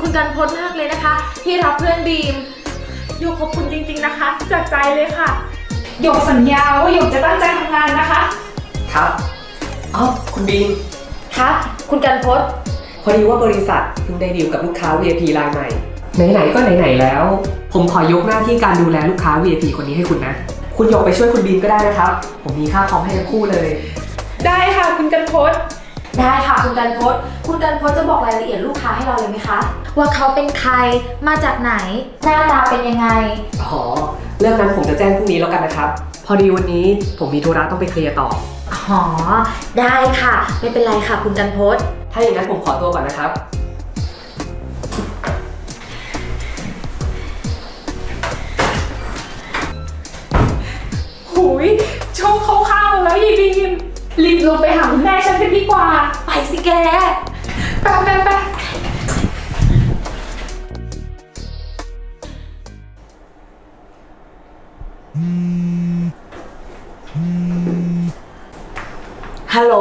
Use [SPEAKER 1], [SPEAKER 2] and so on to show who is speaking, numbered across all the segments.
[SPEAKER 1] คุณกันพจน์มากเลยนะคะที่รับเพื่อนบีมหยกขอบคุณจริงๆนะคะจากใจเลยค่ะหยกสัญญาว่าหยกจะตั้งใจทำงานนะคะ
[SPEAKER 2] ครับคุณบีม
[SPEAKER 1] ครับคุณกันพจน์
[SPEAKER 2] พอดีว่าบริษัทเพิ่งได้ดีลกับลูกค้า VIP รายใหม่ไหนๆก็ไหนๆแล้วผมขอยกหน้าที่การดูแลลูกค้า VIP คนนี้ให้คุณนะคุณหยกไปช่วยคุณบีมก็ได้นะครับผมมีค่าคอมให้ทั้งคู่เลย
[SPEAKER 1] ได้ค่ะคุณกันพจน์ได้ค่ะคุณกันพจน์คุณกันพจน์จะบอกรายละเอียดลูกค้าให้เราเลยไหมคะว่าเขาเป็นใครมาจากไหนหน้าตาเป็นยังไง
[SPEAKER 2] เรื่องนั้นผมจะแจ้งพรุ่งนี้แล้วกันนะครับพอดีวันนี้ผมมีธุระต้องไปเคลียร์ต่อ
[SPEAKER 1] ได้ค่ะไม่เป็นไรค่ะคุณกันพจน์
[SPEAKER 2] ถ้าอย่างนั้นผมขอตัวก่อนนะครับ
[SPEAKER 1] หูยโชคเข้าข้าวแล้วยีบีมรีบลงไปหาคุณแม่ฉันกันดีกว่าไปสิแกไป
[SPEAKER 3] ฮัลโหล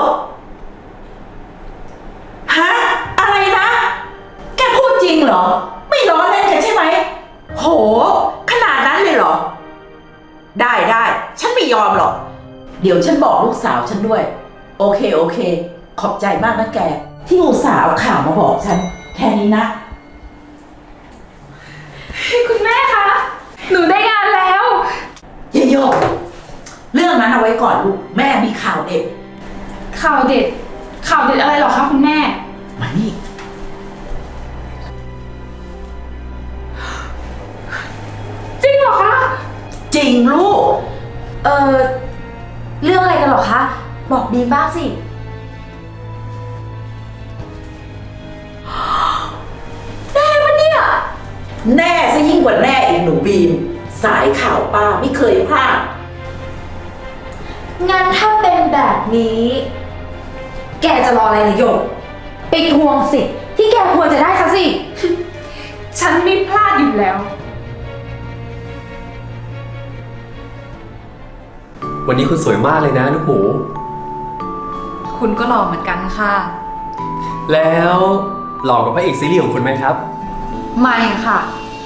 [SPEAKER 3] ฮะอะไรนะแกพูดจริงเหรอไม่ล้อเล่นกันใช่ไหมโหขนาดนั้นเลยเหรอได้ฉันไม่ยอมหรอกเดี๋ยวฉันบอกลูกสาวฉันด้วยโอเคขอบใจมากนะแกที่อุตส่าห์เอาข่าวมาบอกฉันแค่นี้นะ
[SPEAKER 1] คุณแม่คะหนูได้งานแล้ว
[SPEAKER 3] เยโยกเรื่องนั้นเอาไว้ก่อนลูกแม่มีข่าวเด็ด
[SPEAKER 1] ข่าวเด็ดอะไรหรอคะคุณแม่
[SPEAKER 3] มานี่
[SPEAKER 1] จริงเหรอคะ
[SPEAKER 3] จริงลูก
[SPEAKER 1] เรื่องอะไรกันหรอคะบอกบีมบ้างสิแน่ปะเนี่ย
[SPEAKER 3] แน่ซะยิ่งกว่าแน่อีกหนูบีมสายข่าวป้าไม่เคยพลาด
[SPEAKER 1] งั้นถ้าเป็นแบบนี้แกจะรออะไรล่ะหยกไปทวงสิทธิ์ที่แกควรจะได้ซะสิ ฉันไม่พลาดอยู่แล้ว
[SPEAKER 4] วันนี้คุณสวยมากเลยนะลูกหมู
[SPEAKER 1] คุณก็หล่อเหมือนกันค่ะ
[SPEAKER 4] แล้วหล่อกว่าพระเอกซีรีส์ของคุณไหมครับ
[SPEAKER 1] ไม่ค่ะ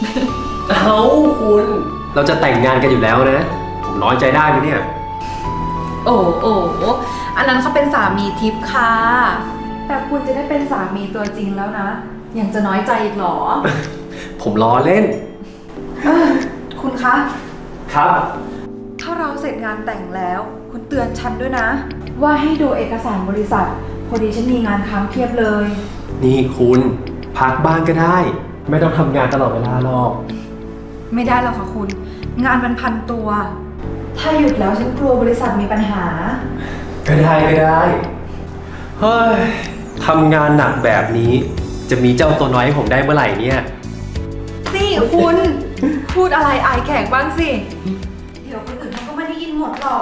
[SPEAKER 4] คุณเราจะแต่งงานกันอยู่แล้วนะผมน้อยใจได้ไหมเนี่ย
[SPEAKER 1] โอ้อันนั้นเขาเป็นสามีทิพย์ค่ะแต่คุณจะได้เป็นสามีตัวจริงแล้วนะยังจะน้อยใจอีกหรอ
[SPEAKER 4] ผมล้อเล่น
[SPEAKER 1] คุณคะ
[SPEAKER 4] ครับ
[SPEAKER 1] ถ้าเราเสร็จงานแต่งแล้วคุณเตือนฉันด้วยนะว่าให้ดูเอกสารบริษัทพอดีฉันมีงานค้างเพียบเลย
[SPEAKER 4] นี่คุณพักบ้างก็ได้ไม่ต้องทำงานตลอดเวลาหรอก
[SPEAKER 1] ไม่ได้หรอกค่ะคุณงานมันพันตัวถ้าหยุดแล้วฉันกลัวบริษัทมีปัญหา
[SPEAKER 4] ก็ได้เฮ้ยทำงานหนักแบบนี้จะมีเจ้าตัวน้อยให้ผมได้เมื่อไหร่เนี่ย
[SPEAKER 1] นี่คุณพูดอะไรอายแขกบ้างสิเดี๋ยวคนอื่นเขาก็ไม่ได้ยินหมดหรอก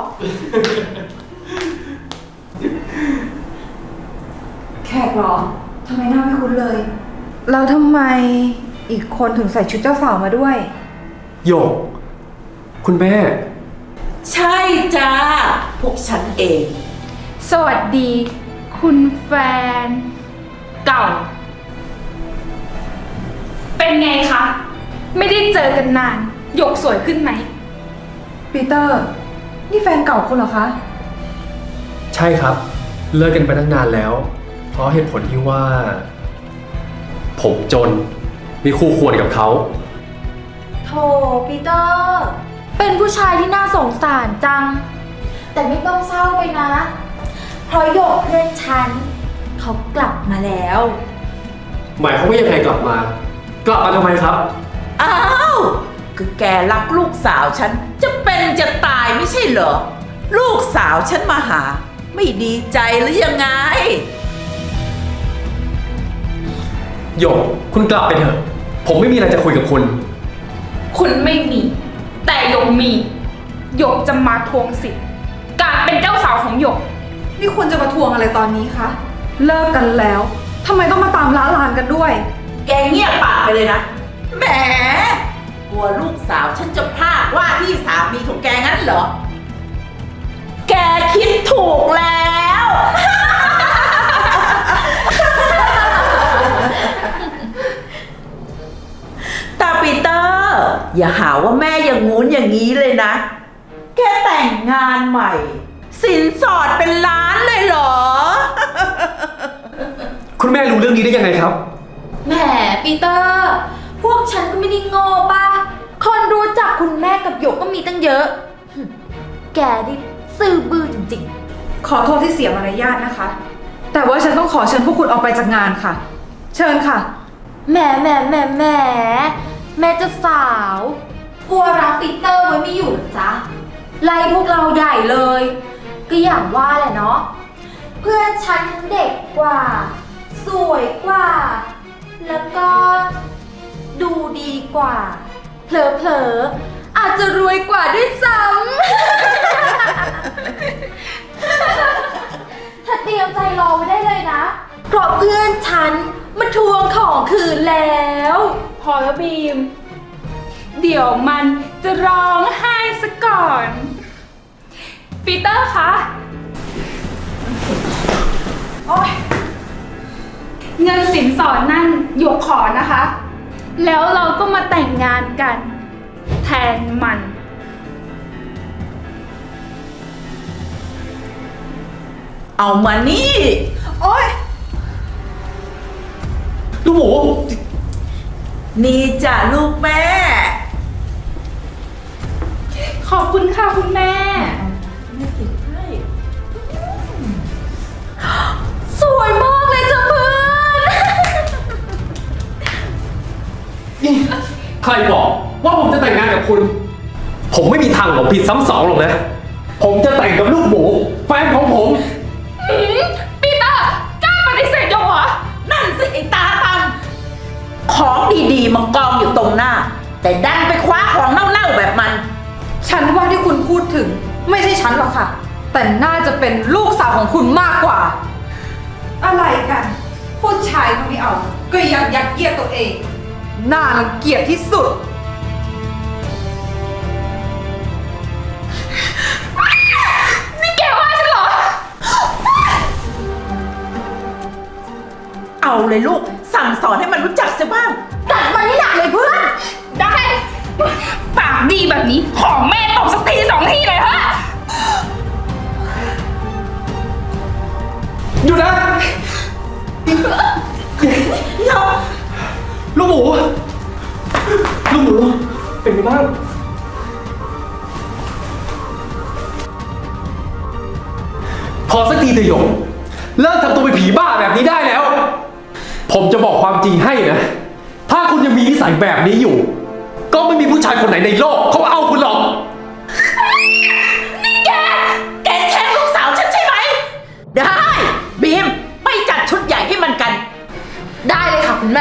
[SPEAKER 1] แขกเหรอทำไมหน้าไม่คุ้นเลยแล้วทำไมอีกคนถึงใส่ชุดเจ้าสาวมาด้วย
[SPEAKER 4] โยกคุณแม่
[SPEAKER 3] ใช่จ้าพวกฉันเอง
[SPEAKER 1] สวัสดีคุณแฟนเก่าเป็นไงคะไม่ได้เจอกันนานหยกสวยขึ้นไหมปีเตอร์นี่แฟนเก่าคุณเหรอคะ
[SPEAKER 4] ใช่ครับเลิกกันไปตั้งนานแล้วเพราะเหตุผลที่ว่าผมจนมีคู่ควรกับเขา
[SPEAKER 1] โธ่ปีเตอร์เป็นผู้ชายที่น่าสงสารจังแต่ไม่ต้องเศร้าไปนะเพราะหยกเพื่อนฉันเขากลับมาแล้ว
[SPEAKER 4] หมายความว่ายังไงกลับมาทำไมครับ
[SPEAKER 3] อ้าวคือแกรักลูกสาวฉันจะเป็นจะตายไม่ใช่เหรอลูกสาวฉันมาหาไม่ดีใจหรือยังไง
[SPEAKER 4] โยกคุณกลับไปเถอะผมไม่มีอะไรจะคุยกับคุณ
[SPEAKER 1] คุณไม่มีแต่หยกมีหยกจะมาทวงสิทธิ์การเป็นเจ้าสาวของหยกนี่คุณจะมาทวงอะไรตอนนี้คะเลิกกันแล้วทำไมต้องมาตามล้าลานกันด้วย
[SPEAKER 3] แกเงียบปากไปเลยนะแหมกลัวลูกสาวฉันจะพลาดว่าที่สามีของแกงั้นเหรอแกคิดถูกแล้วอย่าหาว่าแม่อย่างงู้นอย่างนี้เลยนะ แค่แต่งงานใหม่ สินสอดเป็นล้านเลยเหรอ
[SPEAKER 4] คุณแม่รู้เรื่องนี้ได้ยังไงครับ
[SPEAKER 5] แหมปีเตอร์ พวกฉันก็ไม่ได้โง่ป่ะ คนรู้จักคุณแม่กับหยกก็มีตั้งเยอะหึแกนี่ซื่อบื้อจริง
[SPEAKER 1] ขอโทษที่เสียมารยาทนะคะ แต่ว่าฉันต้องขอเชิญพวกคุณออกไปจากงานค่ะ เชิญค่ะ
[SPEAKER 5] ๆแหมแม่เจะสาว กลัวรักปีเตอร์ไว้ไม่อยู่เหรอจ๊ะ ไล่พวกเราใหญ่เลย ก็อย่างว่าแหละเนาะ เพื่อนฉันทั้งเด็กกว่า สวยกว่า แล้วก็ดูดีกว่า เผลอๆ อาจจะรวยกว่าด้วยซ้ำ ถ้าเตรียมใจรอไว้ได้เลยนะ เพราะเพื่อนฉันมาทวงของคืนแล้ว
[SPEAKER 1] พอแล้วบีม เดี๋ยวมันจะร้องไห้ซะก่อน ปีเตอร์คะโอ๊ยเงินสินสอดนั่นหยกขอนะคะ แล้วเราก็มาแต่งงานกัน แทนมัน
[SPEAKER 3] เอามานี่
[SPEAKER 1] โอ๊ย
[SPEAKER 4] ลูกหมู
[SPEAKER 3] นี่จ้ะลูกแม่
[SPEAKER 1] ขอบคุณค่ะคุณแม่
[SPEAKER 5] สวยมากเลยจ้ะเพื่อน
[SPEAKER 4] ใครบอกว่าผมจะแต่งงานกับคุณ ผมไม่มีทางหลงผิดซ้ำสองหรอกนะ ผมจะแต่งกับลูกหมูแฟนของผม
[SPEAKER 1] ปีเตอร์กล้าปฏิเสธหยกเหรอ
[SPEAKER 3] นั่นสิไอ้ตาตำของดีๆมันกองอยู่ตรงหน้า แต่ดันไปคว้าของเน่าๆแบบมัน
[SPEAKER 1] ฉันว่าที่คุณพูดถึงไม่ใช่ฉันหรอกค่ะ แต่น่าจะเป็นลูกสาวของคุณมากกว่า อะไรกัน ผู้ชายเขาไม่เอา ก็ยังยัดเยียดตัวเอง น่ารังเกียจที่สุด นี่แกว่าฉันเหรอ
[SPEAKER 3] เอาเลยลูก สั่งสอนให้มันรู้จักเสียบ้าง
[SPEAKER 5] จัดมันให้หนักเลยเพื่อน
[SPEAKER 1] ได้ ปากดีแบบนี้ ขอแม่ตบสักทีสองทีเลยฮะ
[SPEAKER 4] อยู่นะ ลูกหมู ลูกหมู เป็นไงบ้าง พอสักทีเถอะหยก เลิกทำตัวเป็นผีบ้าแบบนี้ได้แล้ว ผมจะบอกความจริงให้นะ ถ้าคุณยังมีนิสัยแบบนี้อยู่ ก็ไม่มีผู้ชายคนไหนในโลกเขาเอาคุณหรอก
[SPEAKER 3] แกแช่งลูกสาวฉันใช่ไหม ได้ บีม ไปจัดชุดใหญ่ให้มันกัน
[SPEAKER 5] ได้เลยค่ะคุณแม่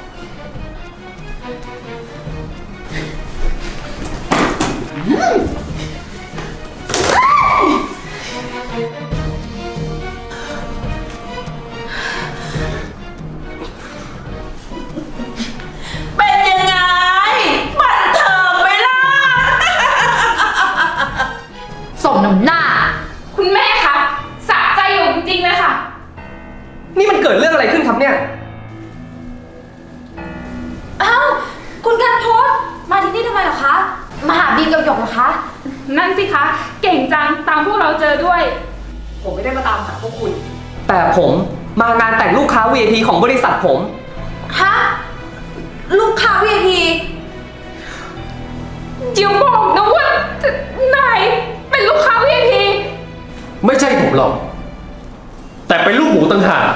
[SPEAKER 3] เป็นยังไง บันเทิงไหมล่ะ
[SPEAKER 5] สมน้ำหน้า
[SPEAKER 1] คุณแม่คะสะใจอยู่จริงๆเลยค่ะ
[SPEAKER 2] นี่มันเกิดเรื่องอะไรขึ้นครับเนี่ย
[SPEAKER 5] อ้าว คุณกันโทษมาที่นี่ทำไมเหรอคะ มาหาบีมกับหยกเหรอคะ
[SPEAKER 1] นั่นสิคะ เก่งจังตามพวกเราเจอด้วย
[SPEAKER 2] ผมไม่ได้มาตามหาพวกคุณ แต่ผมมางานแต่งลูกค้า VIP ของบริษัทผม
[SPEAKER 5] ฮะ ลูกค้า VIP
[SPEAKER 1] จิ๋วบอกนะว่านายเป็นลูกค้า VIP
[SPEAKER 4] ไม่ใช่ผมหรอก แต่เป็นลูกหมูต่างหาก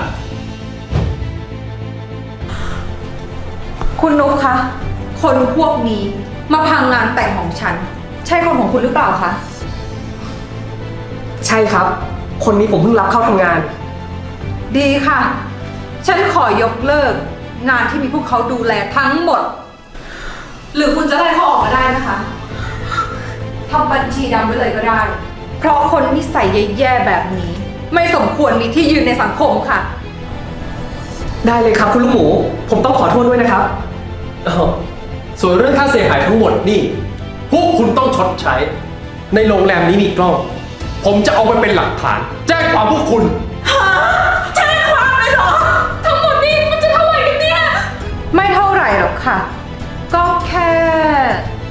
[SPEAKER 1] คุณนุ๊กคะ คนพวกนี้มาพังงานแต่งของฉัน ใช่คนของคุณหรือเปล่าคะ
[SPEAKER 2] ใช่ครับ คนนี้ผมเพิ่งรับเข้าทำงาน
[SPEAKER 1] ดีค่ะ ฉันขอยกเลิก งานที่มีพวกเขาดูแลทั้งหมด หรือคุณจะไล่เขาออกมาได้นะคะทำบัญชีดำไว้เลยก็ได้ เพราะคนนิสัยแย่ๆแบบนี้ ไม่สมควรมีที่ยืนในสังคมค่ะ
[SPEAKER 2] ได้เลยครับคุณลูกหมู ผมต้องขอโทษด้วยนะครับ
[SPEAKER 4] อ้าวส่วนเรื่องค่าเสียหายทั้งหมดนี่ พวกคุณต้องชดใช้ ในโรงแรมนี้มีกล้อง ผมจะเอาไปเป็นหลักฐาน แจ้งความพวกคุณ
[SPEAKER 3] แจ้งความเลยเหรอ
[SPEAKER 1] ทั้งหมดนี้มันจะเท่าไหร่กันเนี่ย ไม่เท่าไหร่หรอกค่ะ ก็แค่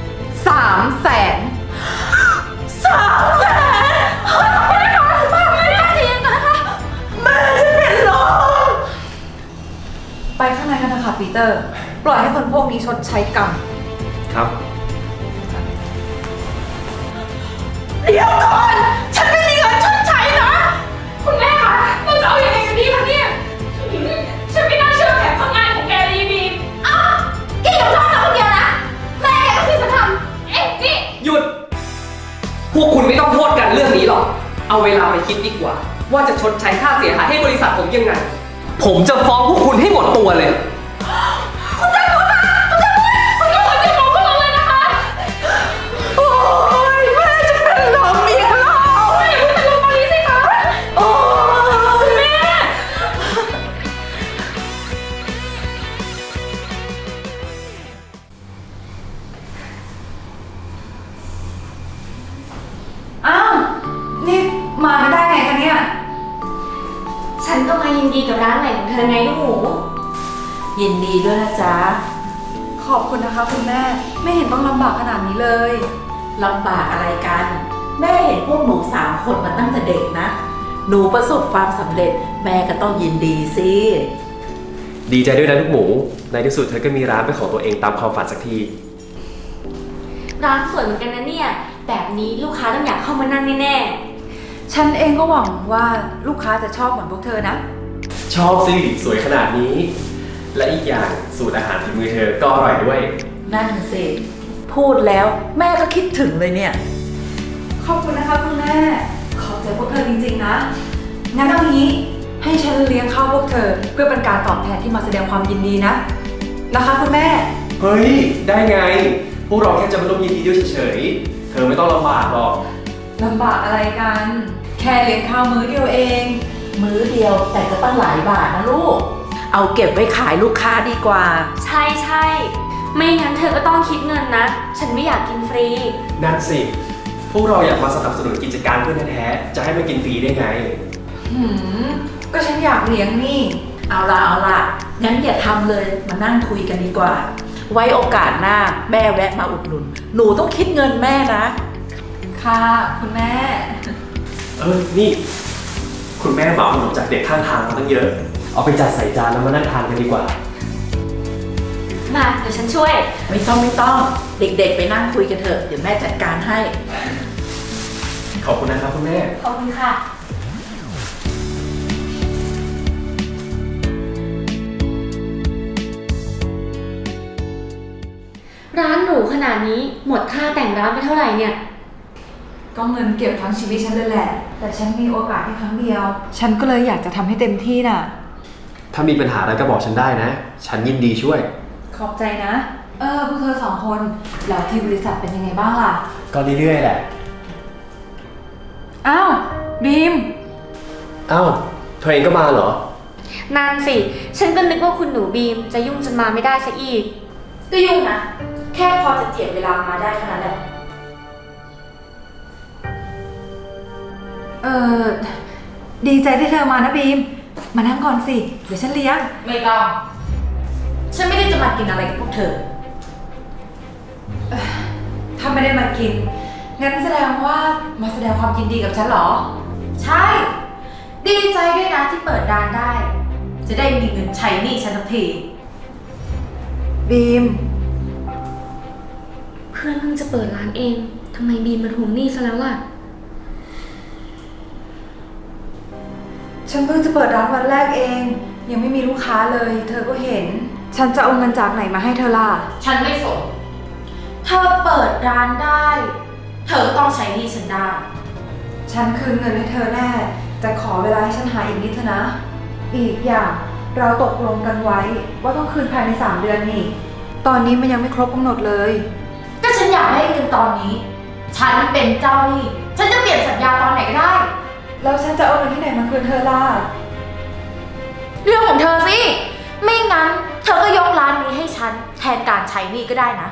[SPEAKER 1] ปีเตอร์ ปล่อยให้คนพวกนี้ชดใช้กรรม
[SPEAKER 4] ครับ
[SPEAKER 3] เดี๋ยวก่อน ฉันไม่มีเงินชดใช้นะ
[SPEAKER 1] คุณแม่คะเราจะเอายังไงกันดีคะเนี่ยฉันไม่น่าเชื่อแผนทำงานของแกเลยบีม
[SPEAKER 5] อ้าวแกอย่าโทษเราคนเดียวนะ แม่แกก็สิฉันทำนี่
[SPEAKER 2] หยุด พวกคุณไม่ต้องโทษกันเรื่องนี้หรอก เอาเวลาไปคิดดีกว่า ว่าจะชดใช้ค่าเสียหายให้บริษัทผมยังไง ผมจะฟ้องพวกคุณให้หมดตัวเลย
[SPEAKER 1] คุณจะมองพวกเราเลยนะคะ
[SPEAKER 3] โอ้ยแม่จะเป็นลมอีกแล้ว
[SPEAKER 1] อย่าเพิ่งเป็นลมตอนนี้สิคะ
[SPEAKER 3] โอ้ย
[SPEAKER 1] แม่
[SPEAKER 6] อ้าว นี่มาไม่ได้ไงคะเนี่ย
[SPEAKER 5] ฉันก็มายินดีกับร้านใหม่ของเธอไงลูกหมู
[SPEAKER 3] ยินดีด้วยนะจ๊ะ
[SPEAKER 6] ขอบคุณนะคะคุณแม่ ไม่เห็นต้องลำบากขนาดนี้เลย
[SPEAKER 3] ลำบากอะไรกัน แม่เห็นพวกหนู3 คนมาตั้งแต่เด็กนะ หนูประสบความสำเร็จ แม่ก็ต้องยินดีสิ
[SPEAKER 4] ดีใจด้วยนะลูกหมู ในที่สุดเธอก็มีร้านเป็นของตัวเองตามความฝันสักที
[SPEAKER 5] ร้านสวยเหมือนกันนะเนี่ย แบบนี้ลูกค้าต้องอยากเข้ามานั่งแน่
[SPEAKER 6] ฉันเองก็หวังว่าลูกค้าจะชอบเหมือนพวกเธอนะ
[SPEAKER 4] ชอบสิ สวยขนาดนี้ และอีกอย่างสูตรอาหารฝีมือเธอก็อร่อยด้วย
[SPEAKER 3] นั่นสิ พูดแล้วแม่ก็คิดถึงเลยเนี่ย
[SPEAKER 6] ขอบคุณนะคะคุณแม่ ขอบใจพวกเธอจริงๆนะ งั้นเอางี้ให้ฉันเลี้ยงข้าวพวกเธอ เพื่อเป็นการตอบแทนที่มาแสดงความยินดีนะ นะคะคุณแม่
[SPEAKER 4] เฮ้ย ได้ไง พวกเราแค่จะมาร่วมยินดีด้วยเฉยๆ เธอไม่ต้องลำบากหรอก
[SPEAKER 6] ลำบากอะไรกัน แค่เลี้ยงข้าวมื้อเดียวเอง
[SPEAKER 3] มื้อเดียวแต่ก็ตั้งหลายบาทนะลูก เอาเก็บไว้ขายลูกค้าดีกว่า
[SPEAKER 5] ๆ ใช่ใช่ๆไม่งั้นเธอก็ต้องคิดเงินนะ ฉันไม่อยากกินฟรี
[SPEAKER 4] นั่นสิ พวกเราอยากมาสนับสนุนกิจการเพื่อนแท้ๆ จะให้มากินฟรีได้ไง
[SPEAKER 6] ก็ฉันอยากเลี้ยงนี่
[SPEAKER 3] เอาล่ะ งั้นอย่าทำเลย มานั่งคุยกันดีกว่า ไว้โอกาสหน้าแม่แวะมาอุดหนุน หนูต้องคิดเงินแม่นะ
[SPEAKER 6] ค่ะคุณแม่
[SPEAKER 4] นี่ คุณแม่เหมาขนมจากเด็กข้างทางมาตั้งเยอะ เอาไปจัดใส่จานแล้วมานั่งทานกันดีกว่า
[SPEAKER 5] มาเดี๋ยวฉันช่วย
[SPEAKER 3] ไม่ต้อง เด็กๆ ไปนั่งคุยกันเถอะ เดี๋ยวแม่จัดการให้
[SPEAKER 4] ขอบคุณนะครับคุณแม่
[SPEAKER 5] ขอบคุณค่ะ ร้านหรูขนาดนี้หมดค่าแต่งร้านไปเท่าไหร่เนี่ย
[SPEAKER 6] ก็เงินเก็บทั้งชีวิตฉันเลยแหละ แต่ฉันมีโอกาสแค่ครั้งเดียว ฉันก็เลยอยากจะทำให้เต็มที่น่ะ
[SPEAKER 4] ถ้ามีปัญหาอะไรก็บอกฉันได้นะ ฉันยินดีช่วย
[SPEAKER 6] ขอบใจนะ พวกเธอสองคน แล้วที่บริษัทเป็นยังไงบ้างล่ะ
[SPEAKER 4] ก็เรื่อยๆแหละ
[SPEAKER 6] อ้าว บีม
[SPEAKER 4] อ้าวเธอเองก็มาเหรอ
[SPEAKER 5] นั่นสิ ฉันก็นึกว่าคุณหนูบีมจะยุ่งจนมาไม่ได้ซะอีก ก็ยุ่งนะ แค่พอจะเจียดเวลามาได้เท่านั้นแหละ
[SPEAKER 6] ดีใจที่เธอมานะบีม มานั่งก่อนสิ เดี๋ยวฉันเลี้ยง
[SPEAKER 3] ไม่ต้อง ฉันไม่ได้จะมากินอะไรกับพวกเธอ
[SPEAKER 6] ถ้าไม่ได้มากิน งั้นแสดงว่ามาแสดงความยินดีกับฉันเหรอ
[SPEAKER 5] ใช่ ดีใจด้วยนะที่เปิดร้านได้ จะได้มีเงินใช้หนี้ฉันสักที
[SPEAKER 6] บีม
[SPEAKER 5] เพื่อนเพิ่งจะเปิดร้านเองทำไมบีมมาทวงหนี้ซะแล้วล่ะ
[SPEAKER 6] ฉันเพิ่งจะเปิดร้านวันแรกเอง ยังไม่มีลูกค้าเลย เธอก็เห็น ฉันจะเอาเงินจากไหนมาให้เธอล่ะ
[SPEAKER 5] ฉันไม่สนเธอเปิดร้านได้ เธอก็ต้องใช้หนี้ฉันได้
[SPEAKER 6] ฉันคืนเงินให้เธอแน่ แต่ขอเวลาให้ฉันหาอีกนิดเถอะนะ อีกอย่างเราตกลงกันไว้ ว่าต้องคืนภายใน3 เดือนนี่ ตอนนี้มันยังไม่ครบกำหนดเลย
[SPEAKER 5] ก็ฉันอยากได้เงินตอนนี้ ฉันเป็นเจ้าหนี้ ฉันจะเปลี่ยนสัญญาตอนไหนก็ได้
[SPEAKER 6] แล้วฉันจะเอาเงินที่ไหนมาคืนเธอล่ะ
[SPEAKER 5] เรื่องของเธอสิ ไม่งั้น เธอก็ยกร้านนี้ให้ฉันแทนการใช้หนี้ก็ได้นะ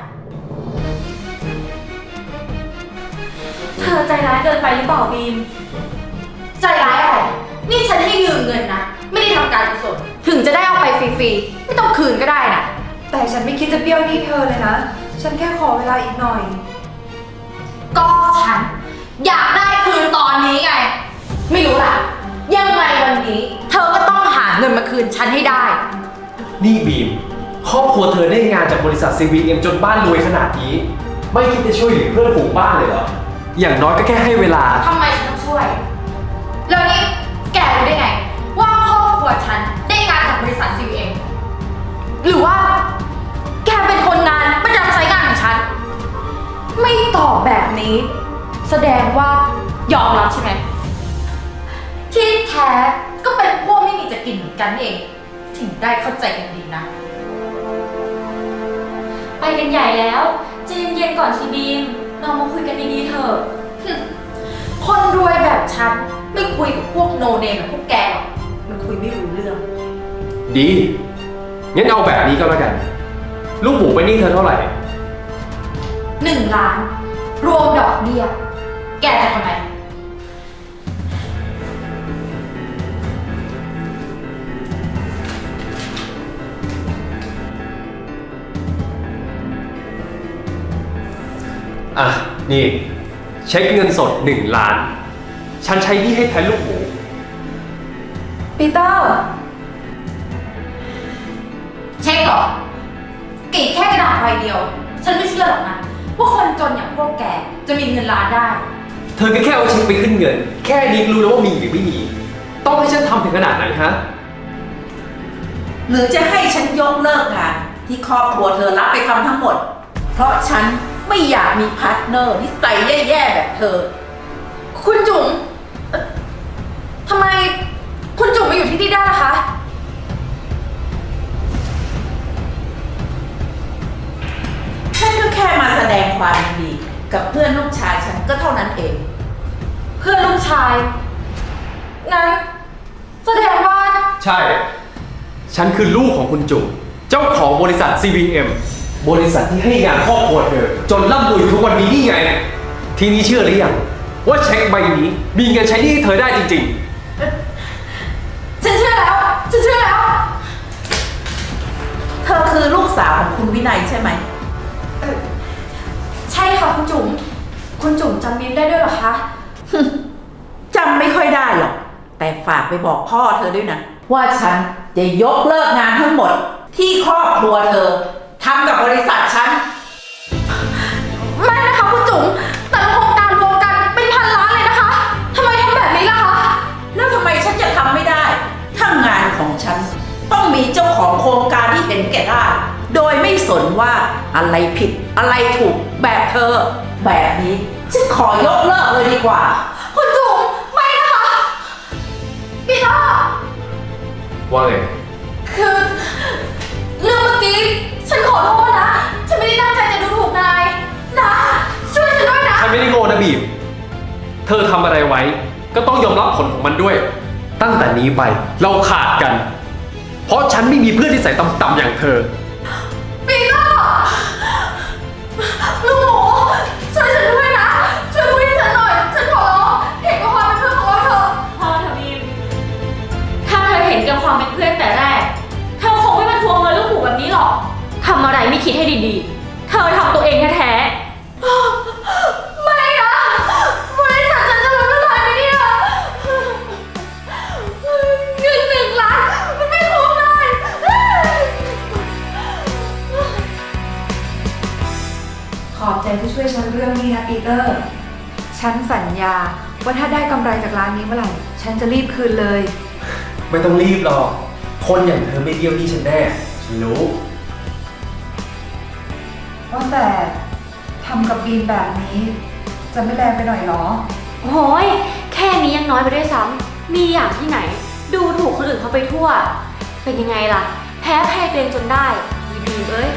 [SPEAKER 5] เธอใจร้ายเกินไปหรือเปล่าบีม ใจร้ายอะไร นี่ฉันให้ยืมเงินนะ ไม่ได้ทำการกุศลถึงจะได้เอาไปฟรีๆ ไม่ต้องคืนก็ได้นะ
[SPEAKER 6] แต่ฉันไม่คิดจะเบี้ยวหนี้เธอเลยนะ ฉันแค่ขอเวลาอีกหน่อย
[SPEAKER 5] ก็ฉัน อยากได้คืนตอนนี้ไง ไม่รู้ล่ะ ยังไงวันนี้ เธอก็ต้องหาเงินมาคืนฉันให้ได้
[SPEAKER 4] นี่บีม ขครอบครัวเธอได้งานจากบริษัท CVM จนบ้านรวยขนาดนี้ ไม่คิดจะช่วยเหลือเพื่อนฝูงบ้านเลยเหรอ อย่างน้อยก็แค่ให้เวลา
[SPEAKER 5] ทำไมฉันต้องช่วย แล้วนี่แกรู้ได้ไง ว่าครอบครัวฉันได้งานจากบริษัท CVM หรือว่า แกเป็นคนงานประจำไซต์งานของฉัน ไม่ตอบแบบนี้ แสดงว่ายอมรับใช่ไหม ที่แท้ก็เป็นพวกไม่มีจะกินเหมือนกันเอง ถึงได้เข้าใจกันดีนะ
[SPEAKER 7] ไปกันใหญ่แล้วใจเย็นๆก่อนสิบีม เรามาคุยกันดีๆเถอะ
[SPEAKER 5] คนรวยแบบฉันไม่คุยกับพวกโนเนมแบบพวกแกหรอกมันคุยไม่รู้เรื่อง
[SPEAKER 4] ดี งั้นเอาแบบนี้ก็แล้วกัน ลูกหมูไปนหนี่เธอเท่าไหร่
[SPEAKER 5] 1 ล้าน รวมดอกเบี้ย แกจะทำไม
[SPEAKER 4] อ่ะ นี่ เช็คเงินสด1 ล้าน ฉันใช้หนี่ให้แทนลูกหมู
[SPEAKER 6] ปีเตอร์
[SPEAKER 5] เช็คเหรอ กรีดแค่กระดาษใบเดียว ฉันไม่เชื่อหรอกนะ ว่าคนจนอย่างพวกแกจะมีเงินล้านได้
[SPEAKER 4] เธอก็แค่เอาเช็คไปขึ้นเงิน แค่นี้รู้แล้วว่ามีหรือไม่มี ต้องให้ฉันทำถึงขนาดไหนฮะ
[SPEAKER 3] หรือจะให้ฉันยกเลิกงานที่ครอบครัวเธอรับไปทำทั้งหมด เพราะฉันไม่อยากมีพาร์ทเนอร์นิสัยแย่ๆแบบเธอ
[SPEAKER 5] คุณจุ๋มทำไมคุณจุ๋มมาอยู่ที่นี่ได้ล่ะคะ
[SPEAKER 3] ฉันก็แค่มาแสดงความยินดีกับเพื่อนลูกชายฉันก็เท่านั้นเอง
[SPEAKER 5] เพื่อนลูกชาย งั้นแสดงว่า
[SPEAKER 4] ใช่ ฉันคือลูกของคุณจุ๋มเจ้าของบริษัท CVM บริษัทที่ให้งานครอบครัวเธอ จนร่ำรวยอยู่ทุกวันนี้นี่ไง ทีนี้เชื่อหรือยังว่าเช็คใบนี้มีเงินใช้หนี้ให้เธอได้จริง
[SPEAKER 5] ฉันเชื่อแล้ว ฉันเชื่อแล้ว
[SPEAKER 3] เธอคือลูกสาวของคุณวินัยใช่ไหม
[SPEAKER 5] ใช่ค่ะคุณจุ๋ม คุณจุ๋มจำมิ้นได้ด้วยเหรอคะ
[SPEAKER 3] จำไม่ค่อยได้หรอก แต่ฝากไปบอกพ่อเธอด้วยนะ ว่าฉันจะยกเลิกงานทั้งหมด ที่ครอบครัวเธอทำกับบริษัทฉัน
[SPEAKER 5] ไม่นะคะคุณจุ๋ม แต่ละโครงการรวมกันเป็นพันล้านเลยนะคะทำไมทำแบบนี้ล่ะคะ
[SPEAKER 3] แล้วทำไมฉันจะทำไม่ได้ ถ้างานของฉันต้องมีเจ้าของโครงการที่เห็นแก่ได้ โดยไม่สนว่าอะไรผิดอะไรถูกแบบเธอ แบบนี้ฉันขอยกเลิกเลยดีกว่า
[SPEAKER 5] คุณจุ๋มไม่นะคะปีเตอร์
[SPEAKER 4] ๆ ว่าไง
[SPEAKER 5] คือเรื่องเมื่อกี้ฉันขอโทษนะ ฉันไม่ได้ตั้งใจจะดูถูกนายนะช่วยฉันด้วยนะ
[SPEAKER 4] ฉันไม่ได้โง่นะบีม เธอทำอะไรไว้ ก็ต้องยอมรับผลของมันด้วย ตั้งแต่นี้ไปเราขาดกัน เพราะฉันไม่มีเพื่อนที่ใส่ต่ำๆอย่างเธอ
[SPEAKER 5] ปีเตอร์ลูกหมูช่วยฉันด้วยนะ ช่วยคุยให้ฉันหน่อย ฉันขอร้องเห็นกับความเป็นเพื่อนของเราเถอะ
[SPEAKER 7] พอเถอะบีม ถ้าเธอเห็นแกับความเป็นเพื่อนแต่แรก เธอคงไม่มาทวงเงินลูกหมูแบบนี้หรอก ทำอะไรไม่คิดให้ดีๆ เธอทำตัวเองแท้ๆ
[SPEAKER 5] ไม่นะบริษัทฉันจะล้มละลายไหมเนี่ยเงิน1 ล้านมันไม่คุ้มเลย
[SPEAKER 6] ขอบใจที่ช่วยฉันเรื่องนี้นะปีเตอร์ ฉันสัญญาว่าถ้าได้กำไรจากร้านนี้เมื่อไหร่ ฉันจะรีบคืนเลย
[SPEAKER 4] ไม่ต้องรีบหรอก คนอย่างเธอไม่เบี้ยวหนี้ฉันแน่ ฉันรู้
[SPEAKER 6] ว่าแต่ทำกับบีมแบบนี้ จะไม่แรงไปหน่อยเหรอ
[SPEAKER 7] โอ้ยแค่นี้ยังน้อยไปด้วยซ้ำ มีอย่างที่ไหน ดูถูกคนอื่นเขาไปทั่ว เป็นยังไงล่ะ แพ้แพ้ตัวเองจนได้ยีบีมเอ้ย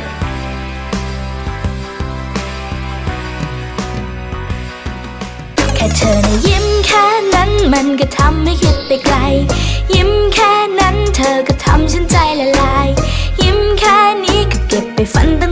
[SPEAKER 8] แค่เธอนะยิ้มแค่นั้นมันก็ทำให้คิดไปไกล ยิ้มแค่นั้นเธอก็ทำฉันใจละลาย ยิ้มแค่นี้ก็เก็บไปฝันตั้ง